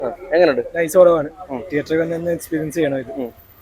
എങ്ങനെയുണ്ട്? നൈസ് കുറവാണ്. തിയേറ്ററിൽ വന്ന് എക്സ്പീരിയൻസ് ചെയ്യണം ഇത്.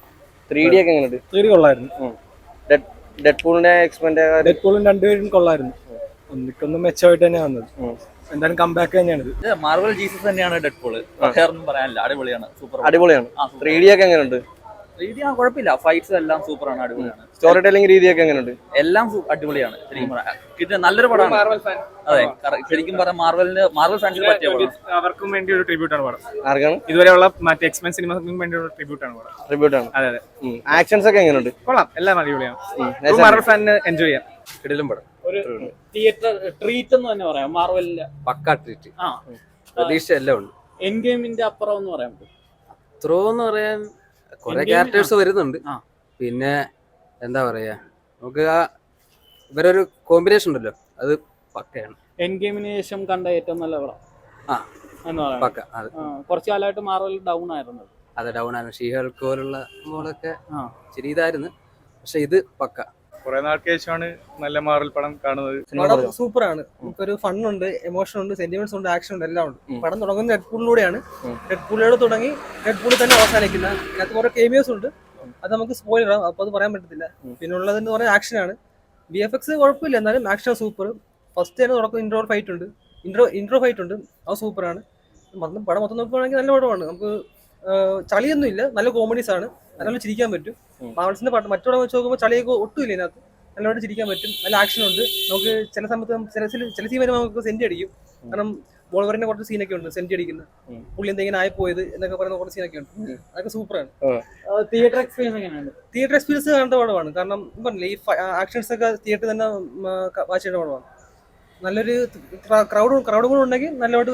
3D ഒക്കെ എങ്ങനെയുണ്ട്? 3D കൊള്ളായിരുന്നു. ഡെഡ്പൂളിന്റെ എക്സ്പെൻഡ് ഡെഡ്പൂളും രണ്ടുപേരും കൊള്ളായിരുന്നു. ഒന്നിക്കൊന്നും മെച്ചമായിട്ട് തന്നെ വന്നത്. എന്തായാലും കംബാക്ക് തന്നെയാണ് ഇത്. മാർവൽ ജീസസ് തന്നെയാണ് ഡെഡ്പൂള്. ഒന്നും പറയാനില്ല, അടിപൊളിയാണ്, സൂപ്പർ അടിപൊളിയാണ്. 3D ഒക്കെ എങ്ങനെയുണ്ട്? രീതി കുഴപ്പമില്ല, ഫൈറ്റ്സ് എല്ലാം സൂപ്പറാണ്, അടിപൊളിയാണ്. സ്റ്റോറി ടെല്ലിംഗ് രീതിയൊക്കെ എങ്ങനെയുണ്ട്? എല്ലാം അടിപൊളിയാണ്. ശരിക്കും പറയാം നല്ലൊരു പടമാണ്. അതെ, ശരിക്കും പറയാം മാർവൽ ഫാൻസിന് പറ്റിയ പടം. അവർക്കും വേണ്ടി ഒരു ട്രിബ്യൂട്ടാണ് പടം. ആർക്കാണ്? ഇതുവരെയുള്ള മറ്റേ എക്സ്പെൻ സിനിമക്കും വേണ്ടി ഒരു ട്രിബ്യൂട്ടാണ് പടം. ട്രിബ്യൂട്ടാണ്. അതെ അതെ. ആക്ഷൻസ് ഒക്കെ എങ്ങനെയുണ്ട്? കൊള്ളാം, എല്ലാം അടിപൊളിയാണ്. മാർവൽ ഫാനിന് എൻജോയ് ചെയ്യാം. കിടിലം പടം. ഒരു തിയേറ്റർ ട്രീറ്റ് എന്ന് തന്നെ പറയാം. മാർവലിന്റെ പക്കാ ട്രീറ്റ്. പ്രതീക്ഷ എല്ലാം ഉണ്ട്. എൻ ഗെയിമിന്റെ അപ്പുറം എന്ന് പറയാൻ പറ്റും. ത്രോ എന്ന് പറയാൻ കുറെ ക്യാരക്ടേഴ്സ് വരുന്നുണ്ട്. പിന്നെ എന്താ പറയാ, നമുക്ക് ആ ഇവരൊരു കോമ്പിനേഷൻ ഉണ്ടല്ലോ, അത് പക്കയാണ്. എൻ ഗെയിമിന് ശേഷം കണ്ട ഏറ്റവും നല്ല പടം എന്ന് പറയാം. പക്ക. അത് കുറച്ചു കാലമായിട്ട് മാർവൽ ഡൗൺ ആയിരുന്നു. അതെ, ഡൗൺ ആണ്. ഷീഹൾക്ക് പോലുള്ള മോളൊക്കെ ശരി ഇതായിരുന്നു. പക്ഷെ ഇത് പക്ക. കുറെ നാൾക്ക് ശേഷമാണ് നല്ല മാർവൽ പടം കാണുന്നത്. പടം സൂപ്പറാണ്. നമുക്കൊരു ഫണ്ണുണ്ട്, എമോഷൻ ഉണ്ട്, സെന്റിമെന്റ്സ് ഉണ്ട്, ആക്ഷൻ ഉണ്ട്, എല്ലാം ഉണ്ട്. പടം തുടങ്ങുന്നത് ഡെഡ്പൂളിലൂടെയാണ്. ഡെഡ്പൂളിലൂടെ തുടങ്ങി ഡെഡ്പൂളിൽ തന്നെ അവസാനിക്കുന്ന അതിനകത്ത് കുറെ കേമിയോസ് ഉണ്ട്. അത് നമുക്ക് സ്പോയിലർ ആവും, അപ്പൊ അത് പറയാൻ പറ്റത്തില്ല. പിന്നെ ഉള്ളതെന്ന് പറഞ്ഞാൽ ആക്ഷനാണ്. VFX കുഴപ്പമില്ല, എന്നാലും ആക്ഷൻ സൂപ്പർ. ഫസ്റ്റ് തന്നെ തുടക്കം ഇൻട്രോ ഫൈറ്റ് ഉണ്ട്, ഫൈറ്റ് ഉണ്ട്, അത് സൂപ്പറാണ്. പടം മൊത്തം നോക്കുകയാണെങ്കിൽ നല്ല പടമാണ്. നമുക്ക് ചളിയൊന്നും ഇല്ല, നല്ല കോമഡീസ് ആണ്, നല്ലോണം ചിരിക്കാൻ പറ്റും. മാർവൽസിന്റെ മറ്റോടെ വെച്ച് നോക്കുമ്പോൾ ചളിയൊക്കെ ഒട്ടുമില്ല ഇതിനകത്ത്. നല്ലോണം ചിരിക്കാൻ പറ്റും, നല്ല ആക്ഷൻ ഉണ്ട്. നമുക്ക് ചില സമയത്ത് ചില സീൻ വരുമ്പോൾ നമുക്ക് സെന്റ് അടിക്കും. കാരണം വോൾവറിന്റെ കുറച്ച് സീനൊക്കെ ഉണ്ട് സെന്റ് അടിക്കുന്ന, പുള്ളി എന്തെങ്കിലും ആയിപ്പോയത് എന്നൊക്കെ പറയുന്ന കുറച്ച് സീനൊക്കെ ഉണ്ട്. അതൊക്കെ സൂപ്പറാണ്. തിയേറ്റർ എക്സ്പീരിയൻസ് എങ്ങനെയാണ്? തിയേറ്റർ എക്സ്പീരിയൻസ് കാണേണ്ട പടമാണ്. കാരണം പറഞ്ഞില്ലേ, ഈ ആക്ഷൻസ് ഒക്കെ തിയേറ്ററിൽ തന്നെ വാച്ച് ചെയ്യേണ്ട പടമാണ്. നല്ലൊരു ക്രൗഡ് കൂടെ ഉണ്ടെങ്കിൽ നല്ലോട്ട്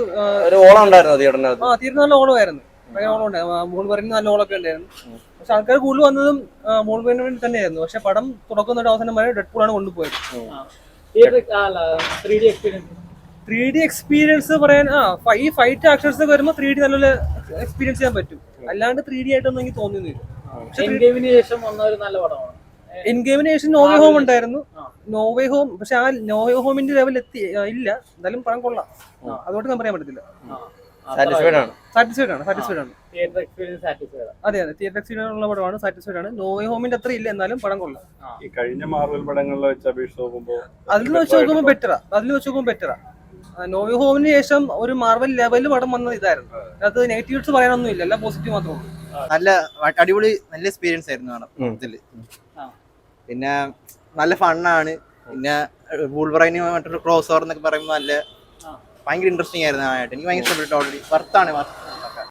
തിയേറ്ററിൽ നല്ല ഓളമായിരുന്നു. മോൾവറിന് നല്ല ഓളൊക്കെ ഉണ്ടായിരുന്നു. പക്ഷെ ആൾക്കാർ കൂടുതൽ വന്നതും മോൾവറിന് വേണ്ടി തന്നെയായിരുന്നു. പക്ഷെ പടം തുടക്കുന്ന അവസാനം വരെ ഡെഡ്പൂളാണ് കൊണ്ടുപോയത്. 3D എക്സ്പീരിയൻസ് പറയാൻ ഈ ഫൈറ്റ് ആക്ഷൻസ് ഒക്കെ വരുമ്പോൾ 3D നല്ല എക്സ്പീരിയൻസ് ചെയ്യാൻ പറ്റും. അല്ലാണ്ട് 3D ആയിട്ടൊന്നും എനിക്ക് തോന്നുന്നില്ല. എൻഗെയിമിന് ശേഷം വന്ന ഒരു നല്ല പടമാണ്. എൻഗെയിമിന് ശേഷം നോവേ ഹോം ഉണ്ടായിരുന്നു. നോവേ ഹോം പക്ഷെ ആ നോവേ ഹോമിന്റെ ലെവൽ ഇല്ല. എന്തായാലും പടം കൊള്ളാം, അതുകൊണ്ട് ഞാൻ പറയാൻ പറ്റത്തില്ല. സാറ്റിസ്ഫൈഡ് ആണ്. Theatre experience satisfied. അതെ, തിയേറ്റർ എക്സ്പീരിയൻസ് ഉള്ള പടമാണ്. സാറ്റിസ്ഫൈഡ് ആണ്. നോവേ ഹോമിന്റെ അത്ര ഇല്ല, എന്നാലും പടം കൊള്ളാം. ഈ കഴിഞ്ഞ മാർവൽ പടങ്ങളിലെ വെച്ച് അപേക്ഷിച്ച് നോക്കുമ്പോൾ അതിൽ വെച്ച് നോക്കുമ്പോൾ ബെറ്ററാ. നോവേ ഹോമിന് ശേഷം ഒരു മാർവൽ ലെവലിൽ പടം വന്നത് ഇതായിരുന്നു. അത് നെഗറ്റീവ്സ് പറയാനൊന്നും ഇല്ല, എല്ലാം പോസിറ്റീവ് മാത്രമേ ഉള്ളൂ. നല്ല അടിപൊളി നല്ല എക്സ്പീരിയൻസ് ആയിരുന്നു കാണാൻ ഇതില്. പിന്നെ നല്ല ഫണ്ണാണ്. പിന്നെ വൂൾവറൈന് മറ്റൊരു ക്രോസ് ഓവർ എന്നൊക്കെ പറയുമ്പോൾ നല്ല ഭയങ്കര ഇൻട്രസ്റ്റിംഗ് ആയിരുന്നു. എനിക്ക് ഭയങ്കര ഇഷ്ടപ്പെട്ടു. ഓൾറെഡി വർത്താണ്.